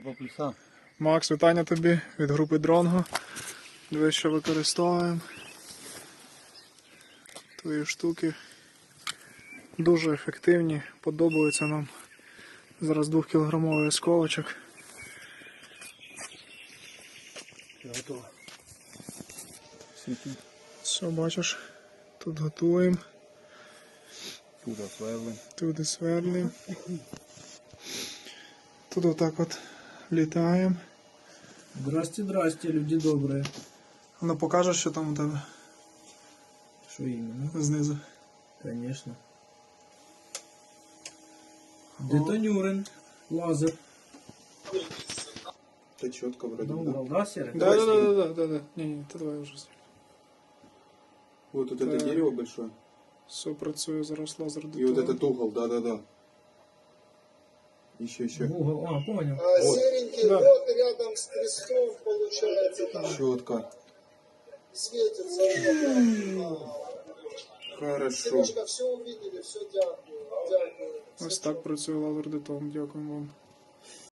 Макс, вітання тобі від групи Дронго. Дивись, що використовуємо. Твої штуки дуже ефективні, подобаються нам. Зараз 2-кілограмовий осколочок. Готово. Все, бачиш, тут готуємо. Туди сверлим. Туди сверлимо. Тут отак от літаємо. Здрасте, здрасте, люди добрые. Ну покажеш, що там у тебе Что именно? знизу. Конечно. Детонюрен. Лазер. Та чітко вроде. На угол, да, Серый? Да. Не, це твоє вже. Вот тут это дерево большое. Все працює, зараз лазер И вот детонує. этот угол, да. Еще. В угол, понял. Вот. Серенький, Да. вот рядом с крестом получается там Четко. светится. Хорошо. Сережка, все увидели, все дякую. Дякую. Ось так працює лазер детон. Дякуємо вам.